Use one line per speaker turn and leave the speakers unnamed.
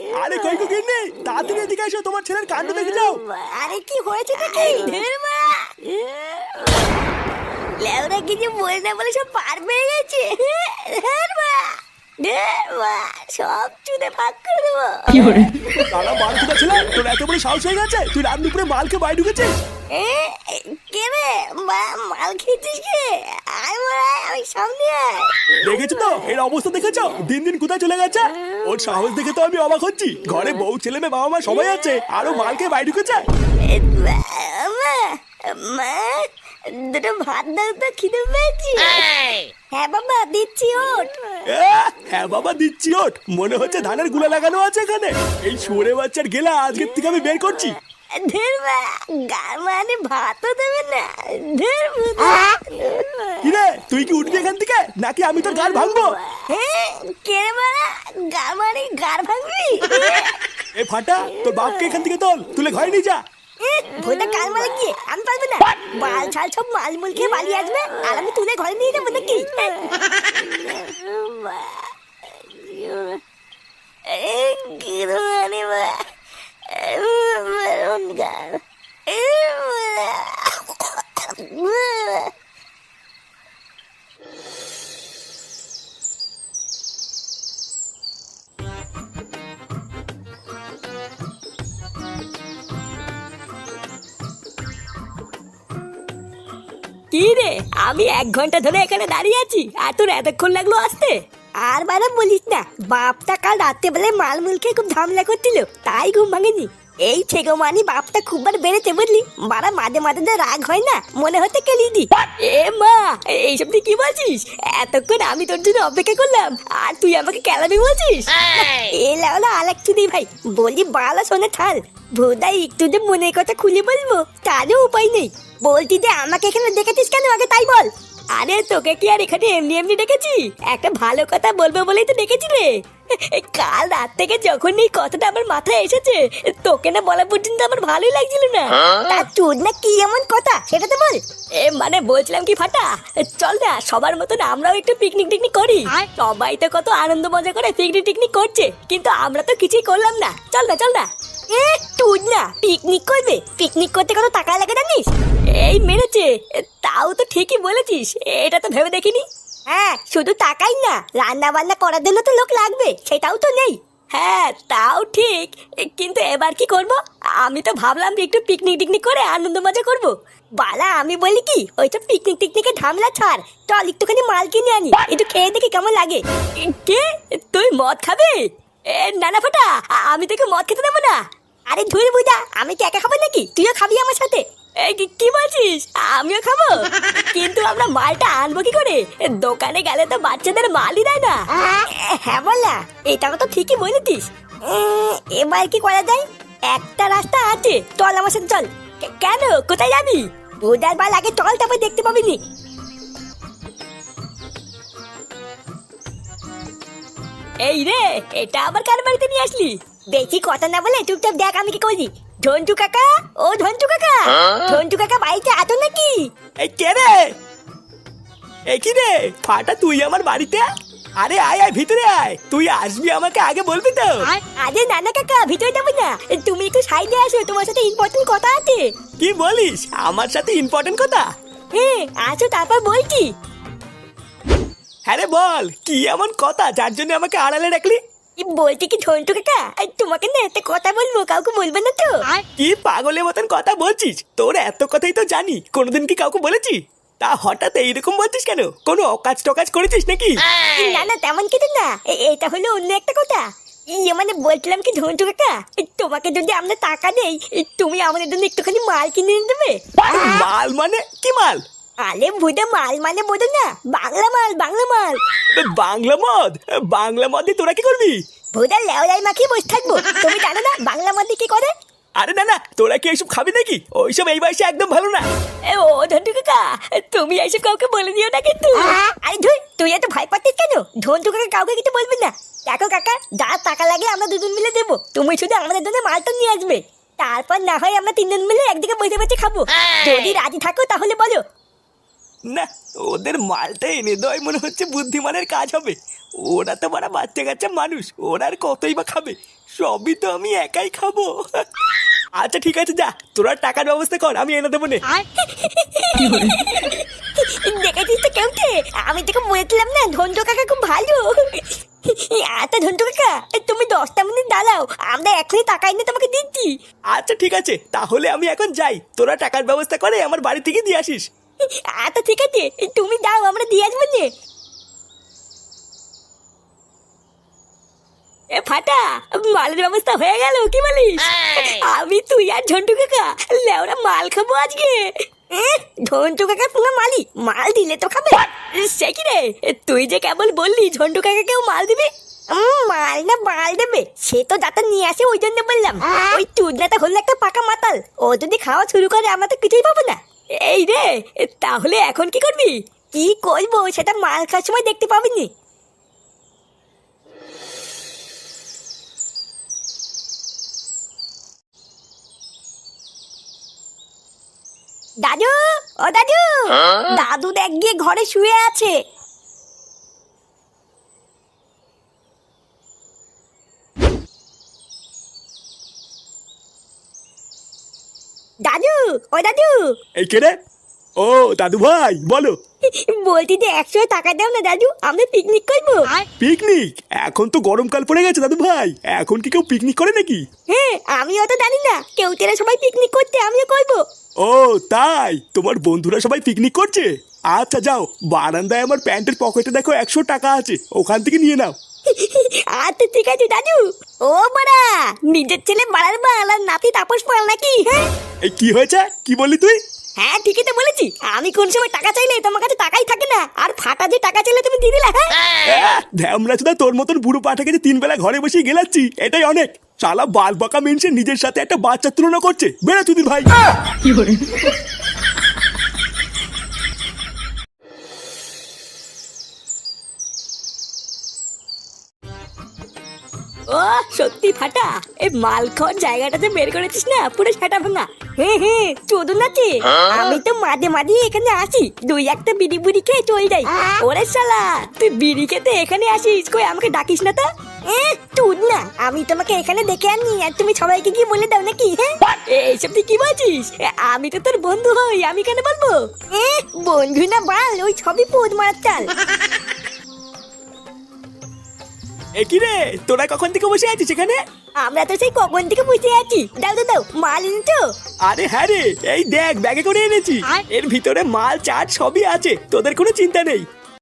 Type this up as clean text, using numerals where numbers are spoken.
আরে কই কই গিন্নি, তাড়াতাড়ি এদিকে এসো, তোমার ছেলের কাণ্ড দেখে যাও।
আরে কি হয়েছে নাকি? লেওরা কিছু বলে না বলে সব পার পেয়ে গেছে। সব চুদে ফাঁক করে দেবো।
তারা মাল কোথা ছিল, তোর এত বড় সাহস হয়ে গেছে, তুই রাত দুপুরে মালকে বাড়ি ঢুকেছিস?
কে রে মাল খেয়েছিস কে? আয় মারা, আমি সামনে আয়।
দেখেছো তো এর অবস্থা, দেখেছো দিন দিন কোথায় চলে গেছে। ওর সাহস দেখে তো আমি অবাক হচ্ছি, ঘরে বউ ছেলে মেয়ে বাবা মা সবাই আছে, আরো মালকে বাড়ি ঢুকেছে।
মা দুটো ভাত দাও তো, খিদে পেয়েছি। হ্যাঁ বাবা দিচ্ছি, ওঠ।
হ্যাঁ বাবা দিচ্ছি, ওঠ। মনে হচ্ছে ধানের গুলা লাগানো আছে এখানে। এই শুয়োরে বাচ্চার গেলা আজকের থেকে আমি বের করছি।
মানে ভাতও দেবে না।
কিরে তুই কি উঠবি এখান থেকে, নাকি আমি তোর গাড় ভাঙবো?
কে রে মারা, গার মানে গার ভাঙবি?
এ ফাটা, তোর বাপকে এখান থেকে তোল, তুলে ঘরে নিয়ে যা।
ভোটা কাল মারা গিয়ে আমি পারবো না। বাল ছাল সব মাল মুল খেয়ে পালিয়ে আসবে, আর আমি তুলে ঘরে নিয়ে যাবো নাকি? কি রে, আমি 1 ঘন্টা ধরে এখানে দাঁড়িয়ে আছি, আর তোর এতক্ষণ লাগলো আসতে? আর বারে বলিস না, বাপটা কাল রাত্রে বেলায় মালমুল খেয়ে খুব ঝামেলা করছিল, তাই ঘুম ভাঙেনি। এই ছেগো মানি বাপটা খুব বার বেড়েছে বুঝলি, বারা মাঝে মাঝে যে রাগ হয় না, মনে হতে কেলি দি। এ মা, এইসব তুই কি বলছিস? এতক্ষণ আমি তোর জন্য অপেক্ষা করলাম, আর তুই আমাকে কেলাবি বলছিস? এ লাউলা আলাক চুদি ভাই, বলি বালা শোনে থাল। ভোদাই একটু যে মনের কথা খুলে বলবো তারও উপায় নেই। বলতি যে আমাকে এখানে দেখেছিস কেন, আগে তাই বল। আরে তোকে কি আর এখানে এমনি এমনি ডেকেছি? একটা ভালো কথা বলবো বলেই তো ডেকেছি রে। কাল রাত থেকে যখন এই কথাটা আমার মাথায় এসেছে, তোকে না বলা পর্যন্ত আমার ভালোই লাগছিল না। তা তোর না কি এমন কথা সেটা তো বল। মানে বলছিলাম কি ফাটা, চল না সবার মতন আমরাও একটু পিকনিক টিকনিক করি। সবাই তো কত আনন্দ মজা করে পিকনিক টিকনিক করছে, কিন্তু আমরা তো কিছুই করলাম না। চল না চল না। তুই না পিকনিক করবে? পিকনিক করতে কত টাকা লাগে জানিস? এই মেরেছে, তাও তো ঠিকই বলেছিস, এটা তো ভেবে দেখিনি। হ্যাঁ, শুধু টাকাই না, রান্না বান্না করার জন্য তো লোক লাগবে, সেটাও তো নেই। হ্যাঁ তাও ঠিক, কিন্তু এবার কি করব? আমি তো ভাবলাম যে একটু পিকনিক টিকনিক করে আনন্দ মজা করব। বালা আমি বলি কি, ওই তো পিকনিক টিকনিকে ঝামেলা ছাড়, চল একটুখানি মাল কিনে আনি, একটু খেয়ে দেখি কেমন লাগে। কে, তুই মদ খাবে? না না ফাটা, আমি তোকে মদ খেতে দেবো না। আরে ধুর বুঝা, আমি কি একা খাবো নাকি? তুইও খাবি আমার সাথে? কি বলছিস? আমিও খাবো? কিন্তু আমরা মালটা আনবো কি করে? দোকানে গেলে তো বাচ্চাদের মালই দেয় না। হ্যাঁ বললা, এটাও তো ঠিকই বলেছিস। এবার কি করা যায়? একটা রাস্তা আছে, চল আমার সাথে চল। কেন, কোথায় যাবি? বুধার বাল আগে চল, তারপর দেখতে পাবি নি। এই রে, এটা আবার কার বাড়িতে নিয়ে আসলি? বেশি কথা না বলে চুপচাপ দেখ আমি কি করি। ঝন্টু কাকা, ও ঝন্টু কাকা, ঝন্টু কাকা বাড়িতে আছো নাকি?
এই কে রে? এই কি রে ফাটা, তুই আমার বাড়িতে? আরে আয় আয় ভিতরে আয়, তুই আসবি আমাকে আগে বলবি তো।
আরে নানা কাকা, ভিতরে যাবো না, তুমি একটু সাইডে আসো, তোমার সাথে ইম্পর্টেন্ট কথা আছে।
কি বলিস, আমার সাথে ইম্পর্টেন্ট কথা?
হ্যাঁ আসো, তারপর বলছি।
হ্যাঁ রে বল, কি এমন কথা যার জন্য আমাকে আড়ালে রাখলি?
বলছি কি ঝন্টু কাকা, তোমাকে না একটা কথা বলবো, কাউকে বলবে না তো?
কি পাগলের মতন কথা বলছিস? তোর এত কথাই তো জানি, কোনোদিন কি কাউকে বলেছি? তা হঠাৎ এইরকম বলছিস কেন? কোনো অকাজ টকাজ করেছিস নাকি?
না না তেমন কিছু না, এটা হলো অন্য একটা কথা। মানে বলছিলাম কি ঝন্টু কাকা, তোমাকে যদি আমরা টাকা দেই, তুমি আমাদের জন্য একটুখানি মাল কিনে এনে দেবে।
মাল মানে কি মাল?
আরে বুঝে মাল মানে বোঝো না, বাংলা মাল, বাংলা মাল।
বাংলা মদ? বাংলা মদে তোরা কি করবি?
ভোদার লেওলাই মাখিয়ে বসে থাকবো, তুমি জানো না বাংলা মদ কি করে?
আরে না না, তোরা কি এইসব খাবি নাকি? ওইসব এই বয়সে একদম ভালো না।
ও ঝন্টু কাকা, তুমি এইসব কাউকে বলে দিও না কিন্তু। আরে ধুই, তুই এত ভয় পাচ্ছিস কেন? ঝন্টু কাকা কাউকে কিছু বলবি না। দেখো কাকা, যা টাকা লাগে আমরা দুজন মিলে দেবো, তুমি শুধু আমাদের জন্য মালটা নিয়ে আসবে। তারপর না হয় আমরা 3 জন মিলে একদিকে বসে বসে খাবো। যদি রাজি থাকো তাহলে বলো।
না, ওদের মালটা এনে দেওয়াই মনে হচ্ছে বুদ্ধিমানের কাজ হবে। ওরা তো বড় বাচ্চা কাচ্চা মানুষ, ওরা আর কতই বা খাবে, সবই তো আমি একাই খাবো। আচ্ছা ঠিক আছে, যা তোরা টাকার ব্যবস্থা কর, আমি এনে দেবো নে।
দেখেছিস তো কেউটে, আমি তোকে বলেছিলাম না ধন্টু কাকা খুব ভালো। আচ্ছা ধন্টু কাকা, তুমি 10টা মিনিট দাঁড়াও, আমরা এখনই টাকা এনে তোমাকে দিচ্ছি।
আচ্ছা ঠিক আছে, তাহলে আমি এখন যাই, তোরা টাকার ব্যবস্থা করে আমার বাড়ি থেকে দিয়ে আসিস।
আচ্ছা ঠিক আছে, তুমি দাও, আমরা দিয়ে আসবো নে। এ ফাটা, মালের ব্যবস্থা হয়ে গেল, কি বলিস? আমি তুই আর ঝন্টু কাকা লেওরা মাল খাবো আজকে। ঝন্টু কাকা পুরো মালি, মাল দিলে তো খাবে। সে কি রে, তুই যে কেবল বললি ঝন্টু কাকাকেও মাল দিবে। মাল না মাল দেবে সে তো যাতে নিয়ে আসে, ওই জন্য বললাম। ওই চুদনাটা হলো একটা পাকা মাতাল, ও যদি খাওয়া শুরু করে আমরা তো কিছুই পাবো না। এই রে, তাহলে এখন কি করবি? কি করবো সেটা মাল খাওয়ার সময় দেখতে পাবিনি। দাদু, ও দাদু, দাদু দেখ গিয়ে ঘরে শুয়ে আছে। দাদু, ও দাদু,
এই কে রে? ও দাদু ভাই, বলো।
বলছি যে 100 টাকা দাও না দাদু, আমরা পিকনিক করবো।
পিকনিক? এখন তো গরমকাল পড়ে গেছে দাদু ভাই, এখন কি কেউ পিকনিক করে নাকি?
হ্যাঁ, আমিও তো জানি না, কেউ তেরা সবাই পিকনিক করতে, আমিও করবো।
ও তাই, তোমার বন্ধুরা সবাই পিকনিক করছে? আচ্ছা যাও, বারান্দায় আমার প্যান্টের পকেটে দেখো 100 টাকা আছে, ওখান থেকে নিয়ে নাও।
আচ্ছা ঠিক আছে দাদু। ও বাড়া, নিজের ছেলে বাড়ার বাল আর নাতি তাপস পাল নাকি? হ্যাঁ
এই কি হয়েছে, কি বললি তুই?
হ্যাঁ ঠিকই তো বলেছি, আমি কোন সময় টাকা চাইলে তোমার কাছে টাকাই থাকে না, আর ফাটা যে টাকা চাইলে তুমি দিয়ে দিলা। হ্যাঁ
ধ্যামরা চোদা, তোর মতন বুড়ো পাঠাকে যে 3 বেলা ঘরে বসে গেলাচ্ছি এটাই অনেক। শালা বাল বাঁকা মেনছে নিজের সাথে একটা বাচ্চার তুলনা করছে, বেড়া তুই ভাই।
ও সত্যি ফাটা, এই মাল খাওয়ার জায়গাটাতে বের করেছিস না, পুরো সেটা ভাঙা। হ্যাঁ হ্যাঁ, চোদন আছে। আমি তো মাঝে মাঝে এখানে আসি, 2-1টা বিড়ি বুড়ি খেয়ে চলে যাই। ওরে শালা, তুই বিড়ি খেতে এখানে আসিস, কই আমাকে ডাকিস না তো? তুই না, আমি তোমাকে এখানে দেখে আনি আর তুমি সবাইকে কি বলে দাও নাকি? হ্যাঁ এইসব তুই কি বলছিস? আমি তো তোর বন্ধু হই, আমি কেন বলবো? বন্ধু না বাল, ওই সবই পোদ মারার চাল।
একই রে, তোরা কখন থেকে বসে আছিস এখানে?
আমরা তো সেই কখন থেকে বসে আছি। দাও দাও দাও, মাল এনেছো?
আরে হ্যাঁ রে, এই দেখ ব্যাগে করে এনেছি, এর ভিতরে মাল চাট সবই আছে, তোদের কোনো চিন্তা নেই।